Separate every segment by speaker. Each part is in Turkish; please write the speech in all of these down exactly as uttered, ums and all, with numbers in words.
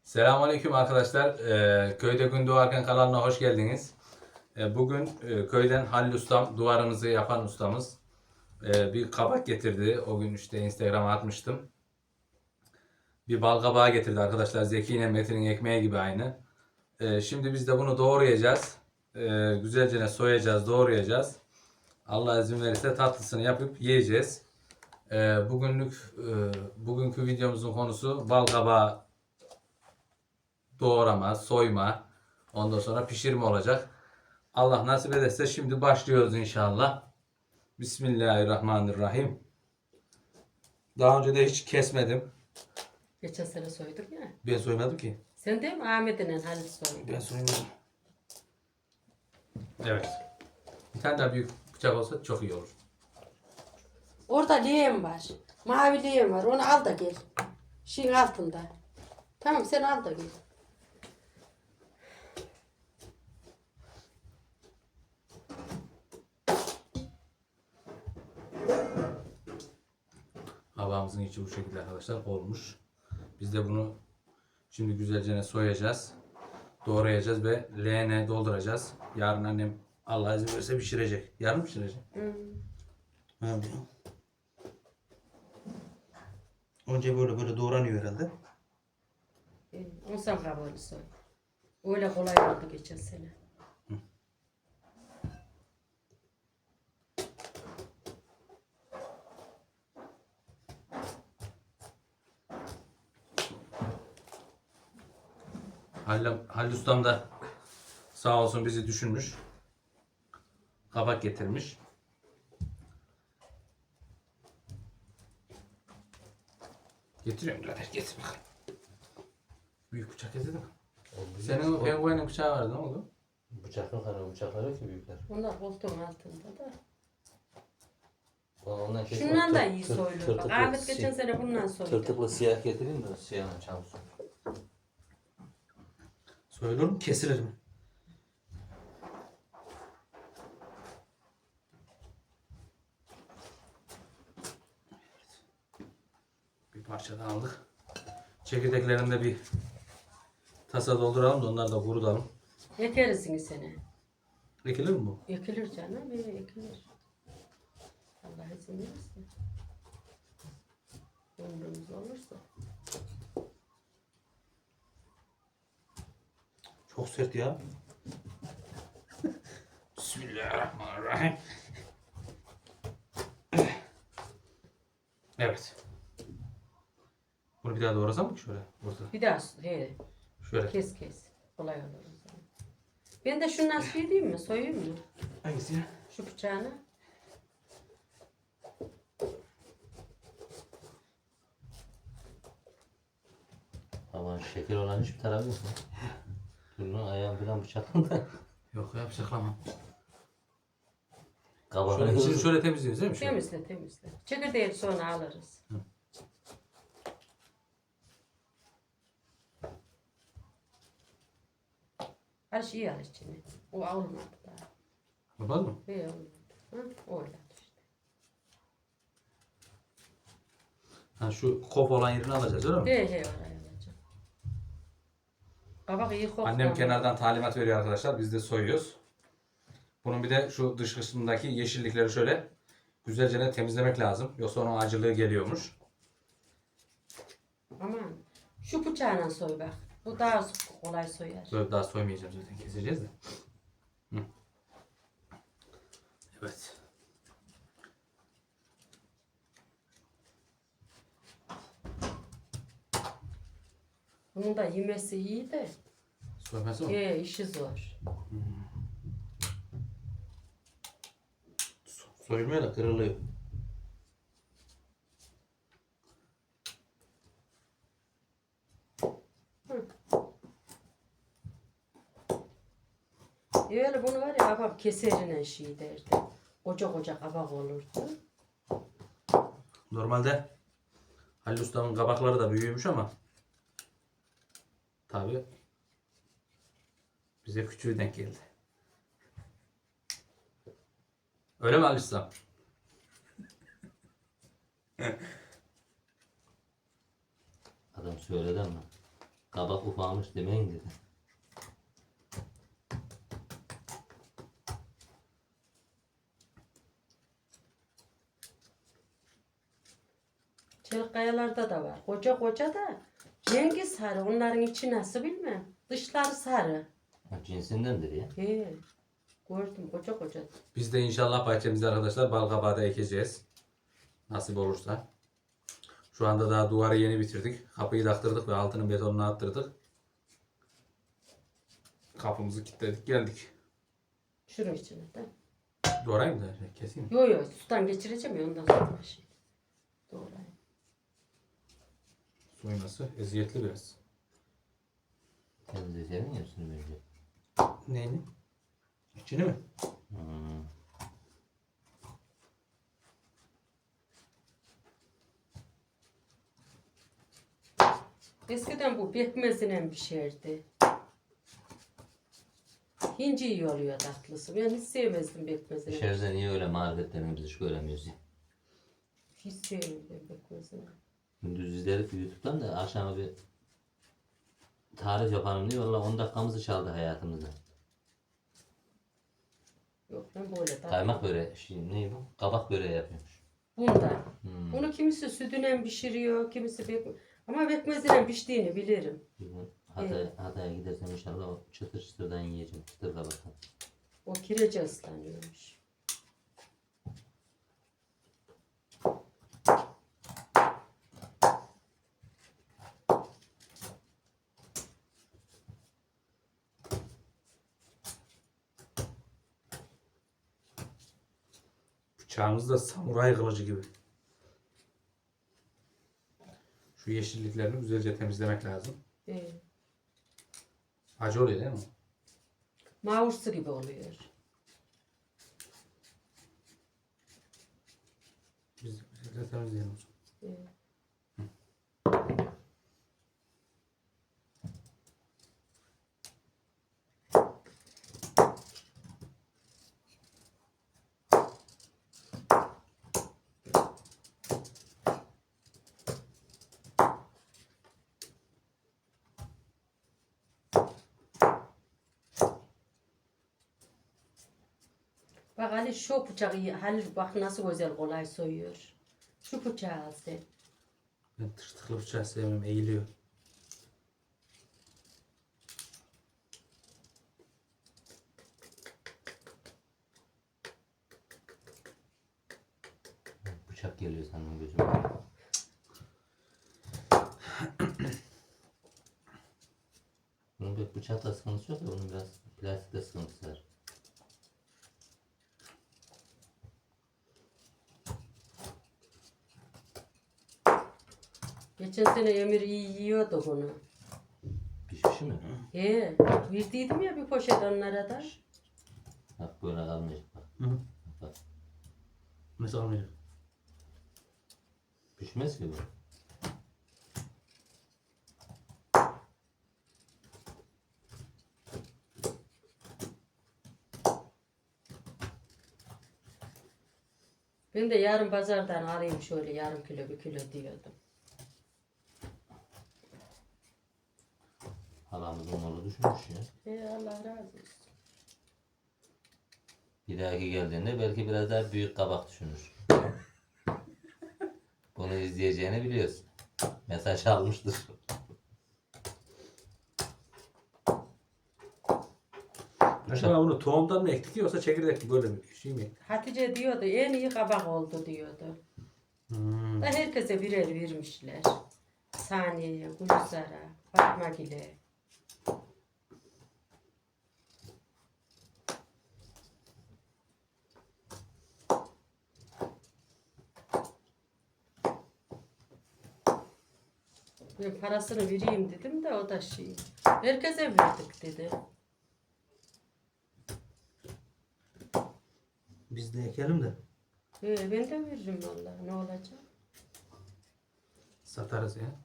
Speaker 1: Selamünaleyküm arkadaşlar. Ee, Köyde Gün Doğarken kanalına hoş geldiniz. Ee, bugün e, köyden Halil Ustam, duvarımızı yapan ustamız e, bir kabak getirdi. O gün işte Instagram'a atmıştım. Bir bal kabağı getirdi arkadaşlar. Zeki ile Metin'in ekmeği gibi aynı. Ee, şimdi biz de bunu doğrayacağız. Ee, güzelce soyacağız, doğrayacağız. Allah izin verirse tatlısını yapıp yiyeceğiz. Ee, bugünlük e, bugünkü videomuzun konusu bal kabağı doğrama, soyma, ondan sonra pişirme olacak. Allah nasip ederse şimdi başlıyoruz inşallah. Bismillahirrahmanirrahim. Daha önce de hiç kesmedim.
Speaker 2: Geçen sene soyduk ya.
Speaker 1: Ben soymadım ki.
Speaker 2: Sen değil mi Ahmet'in Halil soydu?
Speaker 1: Ben soymadım. Evet. Bir tane daha büyük bıçak olsa çok iyi olur.
Speaker 2: Orada leğen var. Mavi leğen var. Onu al da gel. Şeyin altında. Tamam sen al da gel.
Speaker 1: Havamızın içi bu şekilde arkadaşlar olmuş. Biz de bunu şimdi güzelce soyacağız. Doğrayacağız ve leğene dolduracağız. Yarın annem Allah izin verirse pişirecek. Yarın mı pişirecek?
Speaker 2: Hmm.
Speaker 1: Evet. Önce böyle böyle doğranıyor herhalde.
Speaker 2: Ee, on sam kabuğunu soy. Öyle kolay oldu geçen sene.
Speaker 1: Halil, Halil Ustam da sağ olsun bizi düşünmüş. Kabak getirmiş. Getiriyorum birader, getir bakalım. Büyük bıçak getirdin mi? Senin o penguenin bıçağı vardı, ne oldu?
Speaker 3: Bıçak yok hani bıçaklar yok ki büyükler.
Speaker 2: Onlar koltuğun altında da.
Speaker 3: Ondan kesme.
Speaker 2: Şundan da
Speaker 3: Tır-
Speaker 2: iyi
Speaker 3: tır-
Speaker 2: soyulur. Bak
Speaker 3: tırtıklı
Speaker 2: Ahmet geçen
Speaker 3: si-
Speaker 2: sene bundan soydu.
Speaker 3: Tırtıklı siyah getireyim de siyahla çalışsın.
Speaker 1: Soyulur mu? Kesilir mi? Bir parça daha aldık. Çekirdeklerini de bir tasa dolduralım da onları da kurutalım.
Speaker 2: Ekerizsin sene.
Speaker 1: Ekilir mi bu?
Speaker 2: Ekilir canım. Bir ekilir. Allah izin verirse. Ömrümüz olursa.
Speaker 1: Çok sert ya. Bismillahirrahmanirrahim. Evet. Bunu bir daha doğrasam mı ki şöyle? Burada.
Speaker 2: Bir daha he,
Speaker 1: Şöyle.
Speaker 2: kes kes. Kolay olur o zaman. Ben de şundan soyayım mı? Soyayım mı?
Speaker 1: Hangisi ya?
Speaker 2: Şu bıçağını.
Speaker 3: Ama şeker olan hiçbir tarafı yok mu? Dur lan ayağım falan bıçaklandı.
Speaker 1: Yok ya bıçaklamam.
Speaker 3: Kabağını
Speaker 1: Şöyle, şimdi
Speaker 3: hızlı.
Speaker 1: şöyle temizliyoruz değil mi? Şöyle.
Speaker 2: Temizle temizle. Çekirdeği sonra alırız.
Speaker 1: Hı.
Speaker 2: Her şeyi al içine. O olmadı daha.
Speaker 1: Yapar mı?
Speaker 2: He olmadı. Hı? Öyle işte.
Speaker 1: Ha, şu kop olan yerini alacağız öyle mi?
Speaker 2: He he oraya alacağım. Kabak iyi koktu.
Speaker 1: Annem
Speaker 2: ama.
Speaker 1: kenardan talimat veriyor arkadaşlar. Biz de soyuyoruz. Bunun bir de şu dış kısmındaki yeşillikleri şöyle güzelce temizlemek lazım. Yoksa onun acılığı geliyormuş.
Speaker 2: Aman. Şu bıçağına soy bak. Bu daha kolay soyar.
Speaker 1: Böyle daha soymayacağım zaten, keseceğiz de. Hı. Evet.
Speaker 2: Bunun da yemesi iyi de.
Speaker 1: Soyması mı?
Speaker 2: He işi zor.
Speaker 1: Soyulmuyor da kırılıyor.
Speaker 2: E öyle bunu var ya kabak keserine şey derdi. Koca koca kabak olurdu.
Speaker 1: Normalde Halil Usta'nın kabakları da büyümüş ama tabi bize küçüğü denk geldi. Öyle mi Halil Usta?
Speaker 3: Adam söyledi ama. Kabak ufamış demeyin dedi.
Speaker 2: Çelik kayalarda da var. Koca koca da rengi sarı. Onların içi nasıl bilmem. Dışları sarı.
Speaker 3: Ha, cinsindendir ya.
Speaker 2: He. Gördüm koca koca.
Speaker 1: Biz de inşallah bahçemizde arkadaşlar bal kabağı da ekeceğiz. Nasip olursa. Şu anda daha duvarı yeni bitirdik. Kapıyı taktırdık ve altının betonunu attırdık. Kapımızı kilitledik geldik.
Speaker 2: Şunun içine de.
Speaker 1: Doğrayayım da şey, keseyim.
Speaker 2: Yo yo sudan geçireceğim ya ondan sonra şey. Doğrayayım.
Speaker 1: Soyması eziyetli biraz.
Speaker 3: Temizleseydin ya üstünü önce.
Speaker 1: Neyini? İçini mi?
Speaker 3: Hmm.
Speaker 2: Eskiden bu pekmezine pişerdi. Hinci iyi oluyor tatlısı. Ben hiç sevmezdim pekmezini.
Speaker 3: Dışarıda niye öyle marifetlerini biz hiç göremiyoruz ya.
Speaker 2: Hiç sevmezdim pekmezini.
Speaker 3: Gündüz izledik YouTube'dan da akşama bir tarif yapalım diye valla on dakikamızı çaldı hayatımızda.
Speaker 2: Yok ben böyle tatlı.
Speaker 3: Kaymak böreği, şey, ne bu? Kabak böreği yapıyormuş.
Speaker 2: Bunda.
Speaker 3: Hmm.
Speaker 2: Bunu kimisi sütüne pişiriyor, kimisi pek... Ama pekmezine piştiğini bilirim.
Speaker 3: Bir gün Hatay, Hatay'a gidersem inşallah o çıtır çıtırdan yiyeceğim. Çıtır kabaktan.
Speaker 2: O kirece ıslanıyormuş.
Speaker 1: Bıçağımız da samuray kılıcı gibi. Şu yeşilliklerini güzelce temizlemek lazım.
Speaker 2: Ee,
Speaker 1: Acı oluyor değil mi?
Speaker 2: mavursu gibi oluyor.
Speaker 1: Biz de güzelce temizleyelim.
Speaker 2: Ee, Bak Ali şu bıçağı iyi. Halil bak nasıl güzel kolay soyuyor. Şu bıçağı al sen.
Speaker 1: Ben tırtıklı bıçağı sevmem, eğiliyor.
Speaker 3: Bıçak geliyor sandım gözüme. Bunun bir bıçakla sıkıntısı yok da bunun biraz plastikle sıkıntısı var.
Speaker 2: Geçen sene Emir iyi yiyordu bunu.
Speaker 3: Pişmiş mi?
Speaker 2: He, verdiydim ya bir poşet onlara da.
Speaker 3: Bak böyle kalmayacak bak.
Speaker 1: Hı hı.
Speaker 3: Bak.
Speaker 1: Nasıl olmayacak?
Speaker 3: Pişmez ki bu.
Speaker 2: Ben de yarın pazardan alayım şöyle yarım kilo bir kilo diyordum.
Speaker 3: Halamızın oğlu düşünmüş ya.
Speaker 2: He Allah razı olsun.
Speaker 3: Bir dahaki geldiğinde belki biraz daha büyük kabak düşünür. Bunu izleyeceğini biliyorsun. Mesaj almıştır.
Speaker 1: Acaba bunu tohumdan mı ektik yoksa çekirdek mi böyle bir şey mi?
Speaker 2: Hatice diyordu en iyi kabak oldu diyordu.
Speaker 1: Hmm.
Speaker 2: Da herkese birer vermişler. Saniye'ye, Gülizar'a, Fatma Gül'e. Ben parasını vereyim dedim de o da şey. Herkese verdik dedi.
Speaker 1: Biz de ekelim de
Speaker 2: He, ben de veririm vallahi ne olacak?
Speaker 1: satarız ya.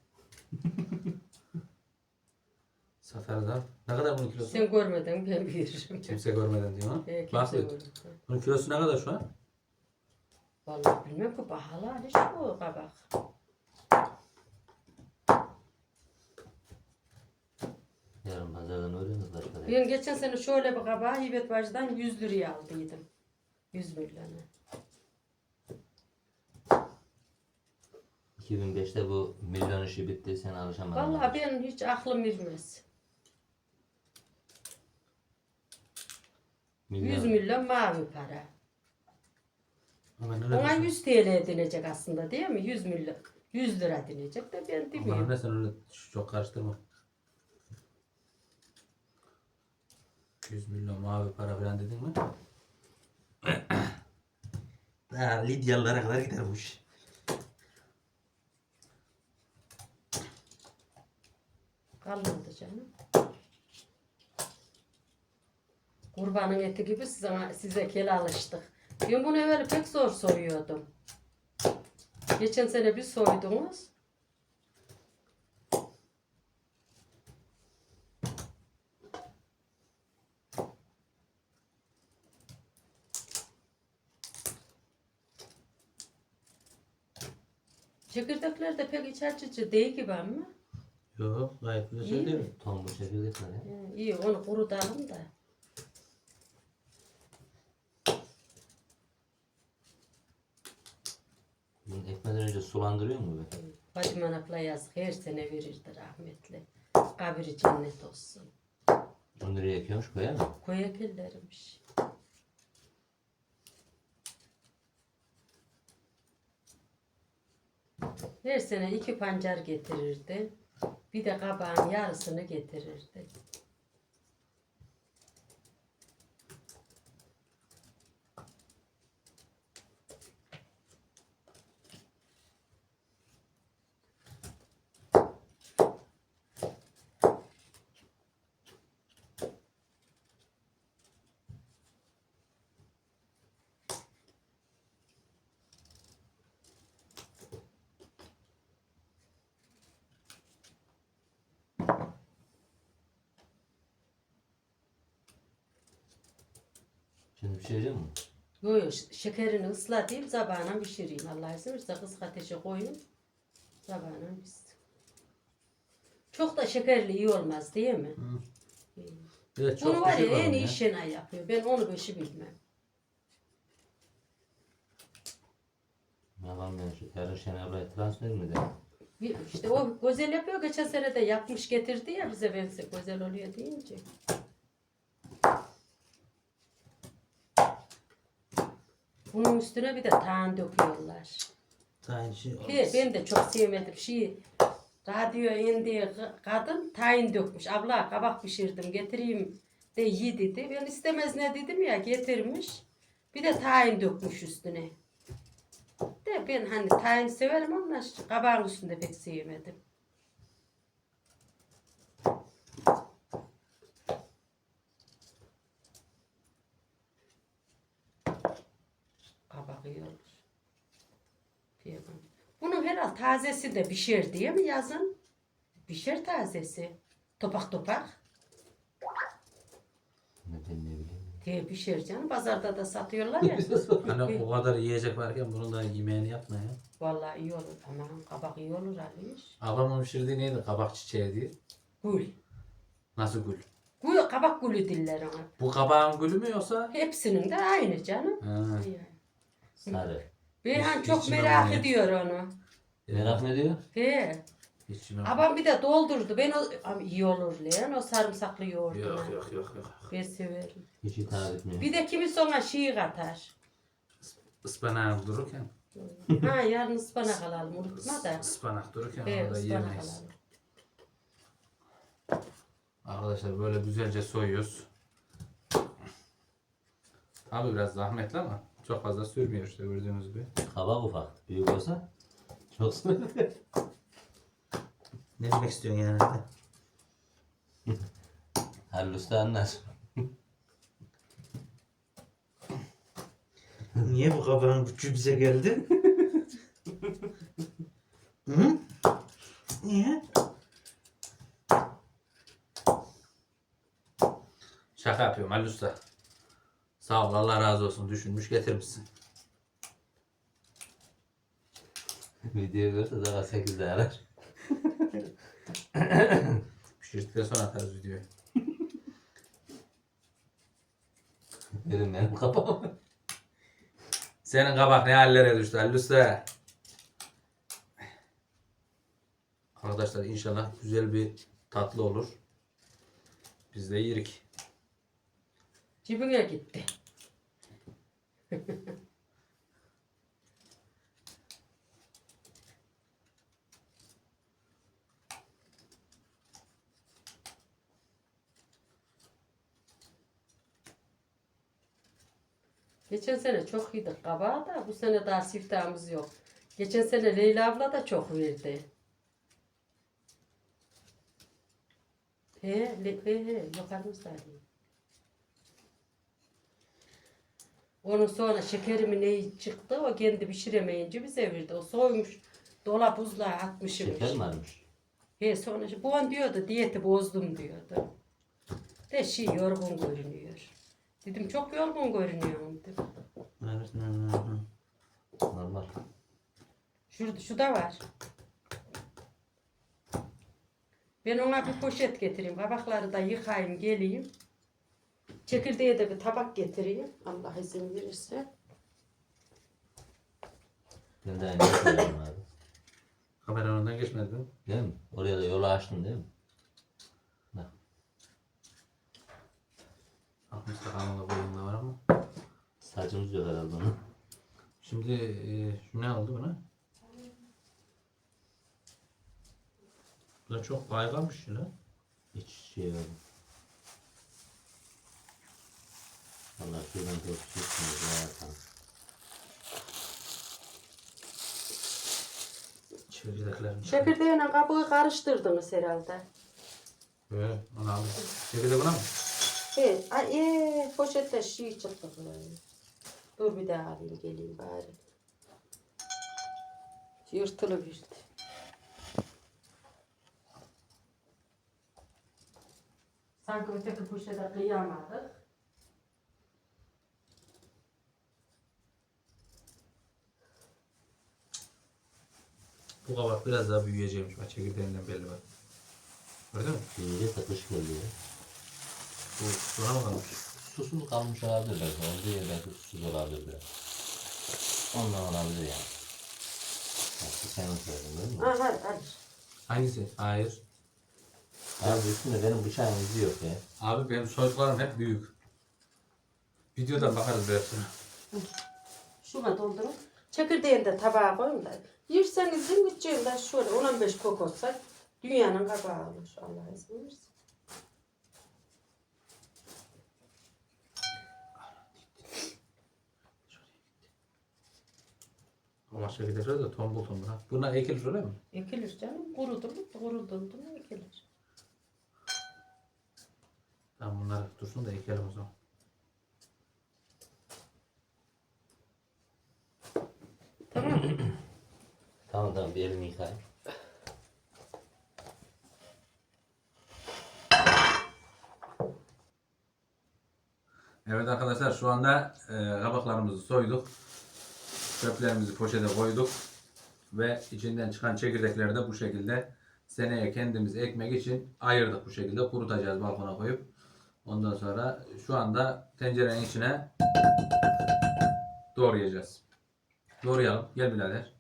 Speaker 1: Satarız ha. Ne kadar bunun kilosu?
Speaker 2: Sen görmeden ben veririm.
Speaker 1: Kimse görmeden diyor ha.
Speaker 2: He, kimse
Speaker 1: Bak
Speaker 2: görmeden.
Speaker 1: bunun kilosu ne kadar şu an?
Speaker 2: Vallahi bilmem ki pahalı hani şu kabak.
Speaker 3: Pazardan öğreniyoruz başka da.
Speaker 2: Ben geçen sene şöyle bir kabağı Hibet Bacı'dan yüz liraya aldıydım. yüz milyonu.
Speaker 3: iki bin beşte bu milyon işi bitti, sen alışamadın.
Speaker 2: Vallahi benim hiç aklım ermez.
Speaker 3: Milyon.
Speaker 2: yüz milyon mavi para.
Speaker 1: Ama ne
Speaker 2: Ona
Speaker 1: diyorsun?
Speaker 2: yüz T L denecek aslında değil mi? yüz milyon. yüz lira denecek de ben
Speaker 1: Ama
Speaker 2: demiyorum.
Speaker 1: ne sen öyle çok karıştırma. yüz milyon mavi para falan dedin mi? Daha Lidyalılara kadar gider bu iş.
Speaker 2: Kalmadı canım. Kurbanın eti gibi size, size kel alıştık. Ben bunu evvel pek zor soyuyordum. Geçen sene bir soydunuz. Çekirdekler de pek iç açıcı değil gibi ama.
Speaker 1: Yok gayet güzel
Speaker 2: İyi
Speaker 1: söylüyorum.
Speaker 2: mi?
Speaker 3: Tombul çekirdekler ya.
Speaker 2: He, İyi onu kurutalım da.
Speaker 3: Bunu ekmeden önce sulandırıyor mu be?
Speaker 2: Fatime Anak'la yazık her sene verirdi rahmetli. Kabri cennet olsun.
Speaker 3: Onu nereye ekiyormuş, koyar mı?
Speaker 2: Koyak ellermiş. Her sene iki pancar getirirdi. Bir de kabağın yarısını getirirdi.
Speaker 3: Şimdi pişirecek mi?
Speaker 2: Yo yo ş- şekerini ıslatayım sabahına pişireyim. Allah izin verirse kısık ateşe koyayım. Sabahına pişsin. Çok da şekerli iyi olmaz değil mi? İyi.
Speaker 1: Bir de çok
Speaker 2: Bunu var ya
Speaker 1: düşük
Speaker 2: en
Speaker 1: oğlum
Speaker 2: iyi
Speaker 1: ya.
Speaker 2: Şenay yapıyor. Ben onu beşi bilmem.
Speaker 3: Yalan ben şu yarın Şener ablaya transfer mi de?
Speaker 2: Bir- İşte o güzel yapıyor. Geçen sene de yapmış getirdi ya bize ben güzel oluyor deyince. Bunun üstüne bir de tahin döküyorlar.
Speaker 1: Tayin şey olmaz.
Speaker 2: He, ben de çok sevmedim. Şey, radyo indi kadın tahin dökmüş. Abla kabak pişirdim getireyim de yi dedi. Ben istemez ne dedim ya getirmiş. Bir de tahin dökmüş üstüne. De ben hani tahin severim ama kabağın üstünde pek sevmedim. Kabak iyi olur. Diyemem. Bunun herhal tazesi de pişer diye mi yazın? Pişer tazesi. Topak topak
Speaker 3: Ne ben ne bileyim.
Speaker 2: diye pişer canım. Pazarda da satıyorlar ya.
Speaker 1: Hani o kadar yiyecek varken bunun da yemeğini yapma ya.
Speaker 2: Vallahi iyi olur. Aman kabak iyi olur Aliş.
Speaker 1: Ablamın pişirdiği neydi? Kabak çiçeği diye.
Speaker 2: Gül.
Speaker 1: Nasıl gül?
Speaker 2: Gül, kabak gülü diller ona.
Speaker 1: Bu kabağın gülü mü yoksa?
Speaker 2: Hepsinin de aynı canım.
Speaker 1: Ha.
Speaker 2: Yani.
Speaker 3: Sarı.
Speaker 2: Beyhan
Speaker 1: Hiç-
Speaker 2: çok
Speaker 1: hiç
Speaker 2: merak
Speaker 1: inanmıyorum.
Speaker 2: ediyor onu.
Speaker 3: Merak ne diyor?
Speaker 2: He.
Speaker 1: Hiç yemem.
Speaker 2: Babam bir de doldurdu. Ben o Ama iyi olur lan o sarımsaklı yoğurduna.
Speaker 1: Yok yok yok yok.
Speaker 2: Ben severim.
Speaker 3: Hiç hitap etmiyor.
Speaker 2: Bir de kimisi ona şiir katar.
Speaker 1: Ispanak dururken.
Speaker 2: Ha yarın ıspanak alalım unutma da.
Speaker 1: Ispanak dururken
Speaker 2: He
Speaker 1: onu da
Speaker 2: ıspanak
Speaker 1: yiyemeyiz.
Speaker 2: alalım.
Speaker 1: Arkadaşlar böyle güzelce soyuyoruz. Abi biraz zahmetli ama çok fazla sürmüyor işte gördüğünüz gibi.
Speaker 3: Kabak ufak. Büyük olsa çok sıkıntı.
Speaker 1: Ne demek istiyorsun yani?
Speaker 3: Halil Usta anlar.
Speaker 1: Niye bu kabağın gücü bize geldi? Hı? Niye? Şaka yapıyorum Ali Usta. Sağ ol Allah razı olsun düşünmüş getirmişsin.
Speaker 3: Video görse daha sekizde arar.
Speaker 1: Pişirdikten sonra atarız videoyu.
Speaker 3: Benim benim kafam.
Speaker 1: Senin kabak ne hallere düştü Halil Usta. Arkadaşlar inşallah güzel bir tatlı olur. Biz de yerik.
Speaker 2: Cibine gitti. Geçen sene çok yedik kabağı da bu sene daha siftahımız yok. Geçen sene Leyla abla da çok verdi. He, le, he, he, yukarımızdaydı. Onun sonra şekerimin neyi çıktı, o kendi pişiremeyince bize verdi. O soymuş, dolap buzluğa atmışım.
Speaker 3: Şeker mi varmış?
Speaker 2: He, sonra bu an diyordu, diyeti bozdum diyordu. De şey yorgun görünüyor. Dedim çok yorgun görünüyorum dedim.
Speaker 3: Normal.
Speaker 2: Şurada, şu da var. Ben ona bir poşet getireyim. Kabakları da yıkayayım, geleyim. Çekirdeğe de bir tabak getireyim. Allah izin verirse.
Speaker 3: Ben de aynı söylüyorum abi.
Speaker 1: Kamera önünden geçmedin.
Speaker 3: Değil mi? Oraya da yolu açtın değil mi? Bak.
Speaker 1: Aklımızda kanalda boyunla var ama.
Speaker 3: Saçımız yok herhalde onun.
Speaker 1: Şimdi e, şu ne oldu buna? Bu da çok kayganmış ya.
Speaker 3: Hiç şey yok. Valla şuradan çok çıkmıyor. Zaten.
Speaker 1: Çekirdeklerini.
Speaker 2: Çekirdeğine kabuğu karıştırdınız herhalde.
Speaker 1: Evet, onu aldım. Çekirdek buna mı?
Speaker 2: Evet, ay, ee, poşette şey çıktı böyle. Dur bir daha alayım, geleyim bari. Yırtılı bir. Sanki öteki poşete kıyamadık.
Speaker 1: Bu kabak biraz daha büyüyeceğimiş. Bak çekirdeğinden belli bak. Gördün mü?
Speaker 3: Büyüyece takış geliyor.
Speaker 1: Bu buna mı kalmış?
Speaker 3: Susuz kalmış olabilir belki. Olduğu yer belki susuz olabilir biraz. Ondan olabilir yani. Bak bu senin söyledin değil mi?
Speaker 2: Ha, hayır, hayır.
Speaker 1: Hangisi? Hayır.
Speaker 3: Abi üstünde benim bıçağım izi yok ya.
Speaker 1: Abi benim soyduklarım hep büyük. Videodan bakarız biraz sonra.
Speaker 2: Şuna doldurun. Çekirdeğini de tabağa koyun da. Yerseniz yiyin, gideceğim de şöyle on on beş kok olsa dünyanın kabağı olur. Allah izin versin.
Speaker 1: Ama çekirdekler de tombul tombul ha. Bunlar ekilir öyle mi?
Speaker 2: Ekilir canım. Kurudu mu? Kurudu mu? Ekilir.
Speaker 1: Tamam bunlar dursun da ekelim o zaman.
Speaker 3: Tamam tamam bir elini yıkayayım.
Speaker 1: Evet arkadaşlar şu anda e, kabaklarımızı soyduk. Çöplerimizi poşete koyduk. Ve içinden çıkan çekirdekleri de bu şekilde seneye kendimiz ekmek için ayırdık bu şekilde. Kurutacağız balkona koyup. Ondan sonra şu anda tencerenin içine doğrayacağız. Doğrayalım. Gel birader.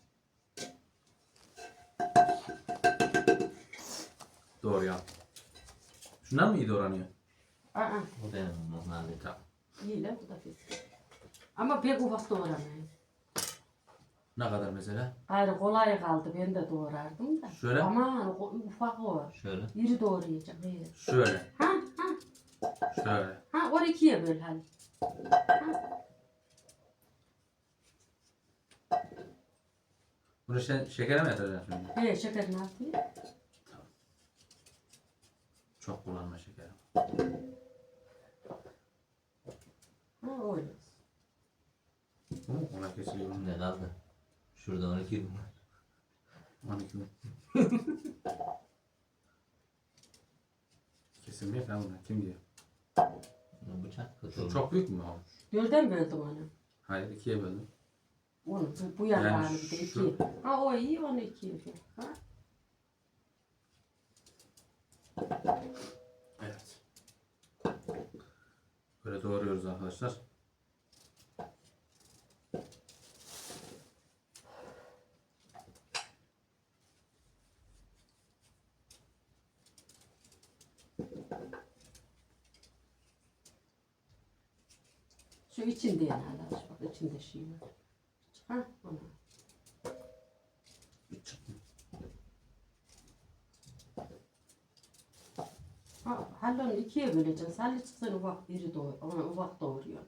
Speaker 1: Doğrayalım. Şundan mı iyi doğranıyor?
Speaker 2: Aa,
Speaker 3: Bu benim normalde.
Speaker 1: Tamam.
Speaker 2: iyi lan bu da pis. Ama pek ufak doğramayın.
Speaker 1: Ne kadar mesela?
Speaker 2: Gayrı kolay kaldı. Ben de doğrardım da.
Speaker 1: Şöyle.
Speaker 2: Aman o- ufak o.
Speaker 3: Şöyle.
Speaker 2: İri doğrayacağım. Evet.
Speaker 1: Şöyle.
Speaker 2: Ha ha.
Speaker 1: Şöyle.
Speaker 2: Ha or ikiye böl hadi. Ha.
Speaker 1: Bunu sen şekere mi yatıracaksın şimdi?
Speaker 2: He şekerini atayım.
Speaker 1: Çok kullanma şekeri.
Speaker 2: Ha öyle.
Speaker 1: Bu mu? Ona kesiliyor.
Speaker 3: Ne kaldı? Şurada on iki mi?
Speaker 1: on iki mi? Kesilmiyor falan bunlar. Kim diyor?
Speaker 3: Bu bıçak kötü
Speaker 1: Şu
Speaker 3: olmuş.
Speaker 1: çok büyük mü olmuş?
Speaker 2: Dörden böldüm onu.
Speaker 1: Hayır ikiye böldüm.
Speaker 2: Onu bu, bu yan
Speaker 1: Yani
Speaker 2: yani bir de
Speaker 1: şu-
Speaker 2: iki. Ha o iyi onu ikiye böl. Ha.
Speaker 1: Evet. Böyle şekilde doğruyoruz arkadaşlar.
Speaker 2: Şu içinde yani hala. Bak içinde şey var. Ha, ona. Ha, hallonu ikiye böleceğiz. Halli çıksın ufak biri doğru. Ona ufak doğuruyor.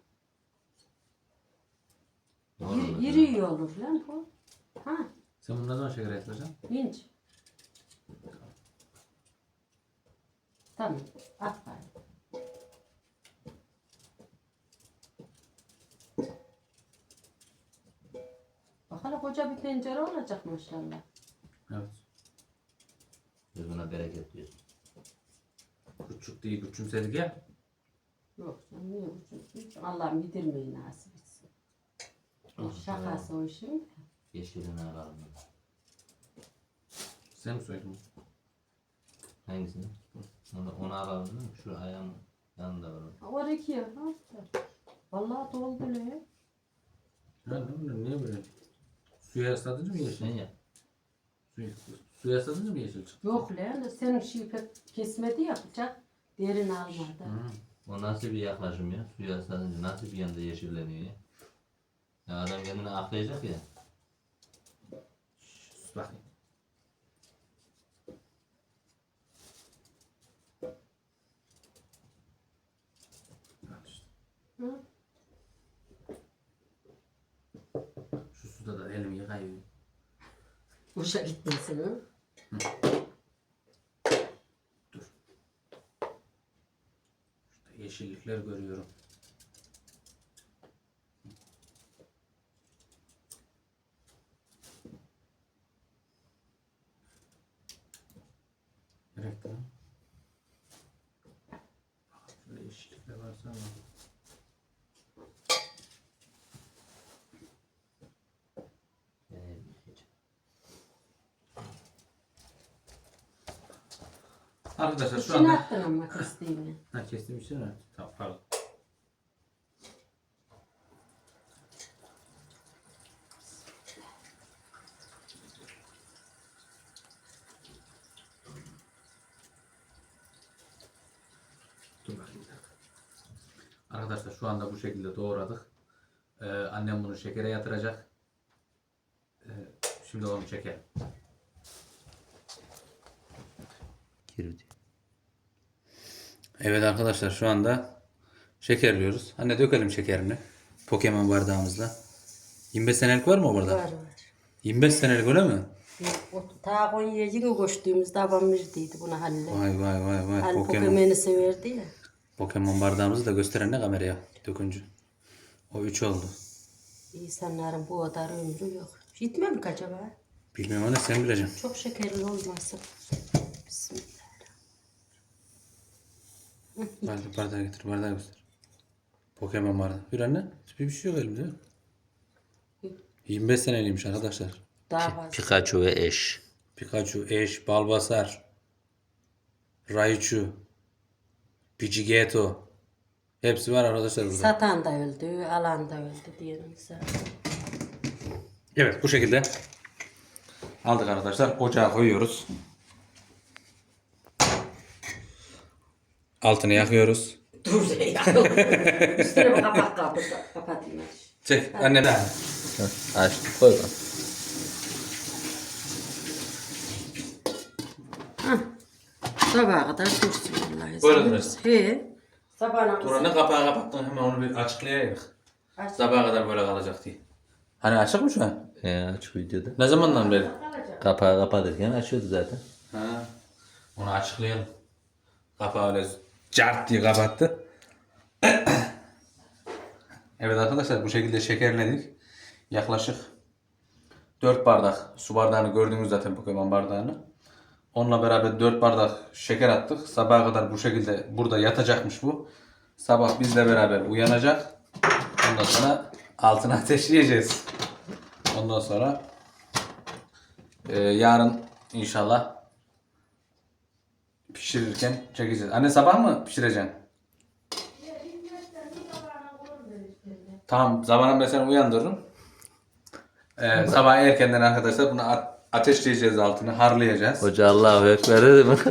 Speaker 2: İri, iri iyi olur lan bu. Ha,
Speaker 1: Sen bunu ne zaman şeker yatıracaksın?
Speaker 2: inç. Tamam. At bari. Bak hele koca bir tencere olacak maşallah.
Speaker 1: Evet.
Speaker 3: Biz buna bereket diyoruz.
Speaker 1: Küçük değil, küçümsedik ya.
Speaker 2: Yok canım niye uçuyorsun? Allah'ım yedirmeyi nasip etsin. O şakası o işin.
Speaker 3: Yeşilini alalım.
Speaker 1: Sen mi söyledin?
Speaker 3: Hangisini? Onu, onu alalım değil mi? Şu ayağın yanında var. o.
Speaker 2: Var iki ya. Vallahi doldu ne?
Speaker 1: Ha, ne bileyim, niye böyle? Suya ıslatınca mı yeşil?
Speaker 3: Sen ya.
Speaker 1: Suya, suya ıslatınca mı yeşil çıktı?
Speaker 2: Yok lan senin şey pek kesmedi ya bıçak. Derin almadı.
Speaker 1: Hı.
Speaker 3: O nasıl bir yaklaşım ya? Suya ıslatınca nasıl bir yanda yeşilleniyor ya? Ya adam kendini aklayacak ya.
Speaker 1: Sus bakayım. Al işte.
Speaker 2: Hı?
Speaker 1: Şu suda da elimi yıkayayım.
Speaker 2: Boşa gitmesin ha.
Speaker 1: Şurada yeşillikler görüyorum. Direkt lan. Şöyle yeşillikler varsa ama.
Speaker 3: Ee,
Speaker 1: Arkadaşlar şu
Speaker 2: İçine
Speaker 1: anda...
Speaker 2: attın ama kestiğini.
Speaker 1: Ha kestim için mi? Tamam pardon. Dur bakayım bir dakika. Arkadaşlar şu anda bu şekilde doğradık. Ee, annem bunu şekere yatıracak. Ee, şimdi onu çekelim.
Speaker 3: Girdi.
Speaker 1: Evet arkadaşlar şu anda şekerliyoruz. Anne dökelim şekerini. Pokemon bardağımızla. yirmi beş senelik var mı o bardak?
Speaker 2: Var var.
Speaker 1: yirmi beş senelik öyle mi?
Speaker 2: O ta Konya'ya yine koştuğumuzda babam verdiydi buna Halil'e.
Speaker 1: Vay vay vay vay.
Speaker 2: Halil
Speaker 1: Pokemon.
Speaker 2: Pokemon'u severdi ya.
Speaker 1: Pokemon bardağımızı da gösteren ne kameraya döküncü. O üç oldu.
Speaker 2: İnsanların bu kadar ömrü yok. Gitme mi acaba?
Speaker 1: Bilmiyorum anne sen bileceksin.
Speaker 2: Çok şekerli olmasın. Bismillah.
Speaker 1: Bardağı, bardağı getir bardağı göster. Pokemon bardağı. Bir anne. Bir şey yok elimde. yirmi beş seneliymiş arkadaşlar.
Speaker 2: Daha fazla.
Speaker 3: Pikachu ve eş.
Speaker 1: Pikachu, Ash, Bulbasaur, Raichu, Pidgeotto. Hepsi var arkadaşlar burada.
Speaker 2: Satan da öldü, alan da öldü diyelim zaten.
Speaker 1: Evet bu şekilde aldık arkadaşlar. Ocağa koyuyoruz. Altını yakıyoruz.
Speaker 2: Dur ya. Üstüne bir kapak kaldı. Kapatayım hadi.
Speaker 1: Çek anne de.
Speaker 3: Aç. Koy bak.
Speaker 2: Sabaha kadar dursun vallahi.
Speaker 1: Böyle dursun.
Speaker 2: He. Sabahına
Speaker 1: Turan'ın kapağı kapattın hemen onu bir açıklayaydık.
Speaker 2: Aç.
Speaker 1: Sabaha kadar böyle kalacak diye. Hani açık mı şu an?
Speaker 3: Ee, aç videoda.
Speaker 1: Ne zamandan beri?
Speaker 3: Kapağı kapatırken açıyordu zaten.
Speaker 1: Ha. Onu açıklayalım. Kapağı öyle cart diye kapattı. Evet arkadaşlar bu şekilde şekerledik. Yaklaşık dört bardak su bardağını gördünüz zaten Pokemon bardağını. Onunla beraber dört bardak şeker attık. Sabaha kadar bu şekilde burada yatacakmış bu. Sabah bizle beraber uyanacak. Ondan sonra altına ateşleyeceğiz. Ondan sonra e, yarın inşallah pişirirken çekeceğiz. Anne sabah mı pişireceksin? Tamam, zamanında ben seni uyandırırım. Ee, sabah erkenden arkadaşlar bunu a- ateşleyeceğiz, altını harlayacağız.
Speaker 3: Hoca Allahu Ekber dedi mi?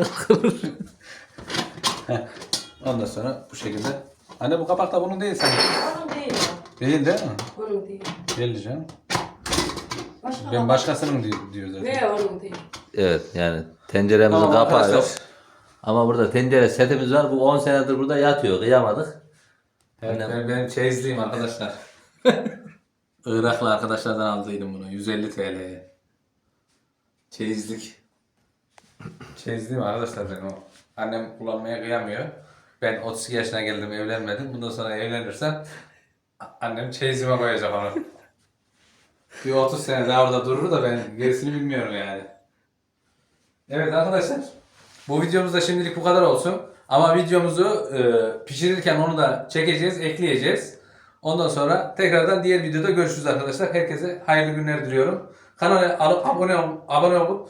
Speaker 1: Ondan sonra bu şekilde. Anne bu kapak da bunun değil sanki.
Speaker 2: Onun değil o.
Speaker 1: Değil değil mi?
Speaker 2: Onun değil.
Speaker 1: Değil canım.
Speaker 2: Başka
Speaker 1: Ben başkasının diyor, diyor zaten.
Speaker 2: Ve onun değil.
Speaker 3: Evet yani tenceremizin
Speaker 1: Tamam
Speaker 3: kapağı
Speaker 1: arkadaşlar.
Speaker 3: yok. Ama burada tencere setimiz var. Bu on senedir burada yatıyor. Kıyamadık.
Speaker 1: Evet,
Speaker 3: Annem-
Speaker 1: ben, benim çeyizliyim arkadaşlar. Iraklı arkadaşlardan aldıydım bunu. yüz elli T L'ye. Çeyizlik. Çeyizliyim arkadaşlar benim o. Annem kullanmaya kıyamıyor. Ben otuz iki yaşına geldim, evlenmedim. Bundan sonra evlenirsem annem çeyizime koyacak onu. Bir otuz sene daha orada durur da ben gerisini bilmiyorum yani. Evet arkadaşlar. Bu videomuzda şimdilik bu kadar olsun. Ama videomuzu e, pişirirken onu da çekeceğiz, ekleyeceğiz. Ondan sonra tekrardan diğer videoda görüşürüz arkadaşlar. Herkese hayırlı günler diliyorum. Kanala alıp abone ol, abone olup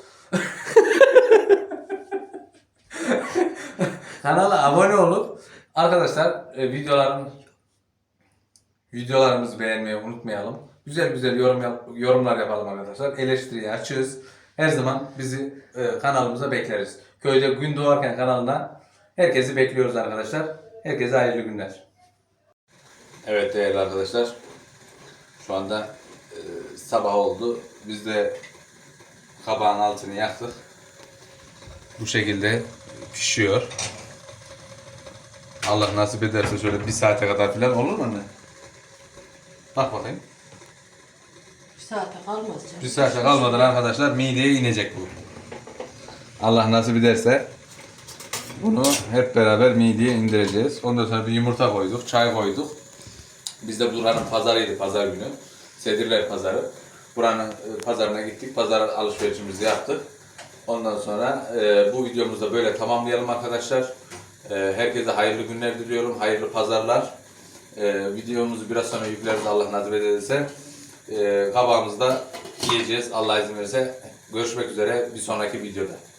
Speaker 1: kanala abone olup arkadaşlar e, videoların videolarımızı beğenmeyi unutmayalım. Güzel güzel yorum yap- yorumlar yapalım arkadaşlar. Eleştiriyi açığız. Her zaman bizi e, kanalımıza bekleriz. Köyde Gün Doğarken kanalına herkesi bekliyoruz arkadaşlar. Herkese hayırlı günler. Evet değerli arkadaşlar. Şu anda e, sabah oldu. Biz de kabağın altını yaktık. Bu şekilde pişiyor. Allah nasip ederse şöyle bir saate kadar falan olur mu anne? Bak bakayım.
Speaker 2: Bir saate kalmaz canım.
Speaker 1: Bir saate kalmadan arkadaşlar mideye inecek bu. Allah nasip ederse bunu hep beraber mideye indireceğiz. Ondan sonra bir yumurta koyduk, çay koyduk. Biz de buranın pazarıydı, pazar günü. Sedirler pazarı. Buranın e, pazarına gittik, pazar alışverişimizi yaptık. Ondan sonra e, bu videomuzu da böyle tamamlayalım arkadaşlar. E, herkese hayırlı günler diliyorum, hayırlı pazarlar. E, videomuzu biraz sonra yükleriz Allah nasip ederse. E, kabağımızda yiyeceğiz Allah izin verirse. Görüşmek üzere bir sonraki videoda.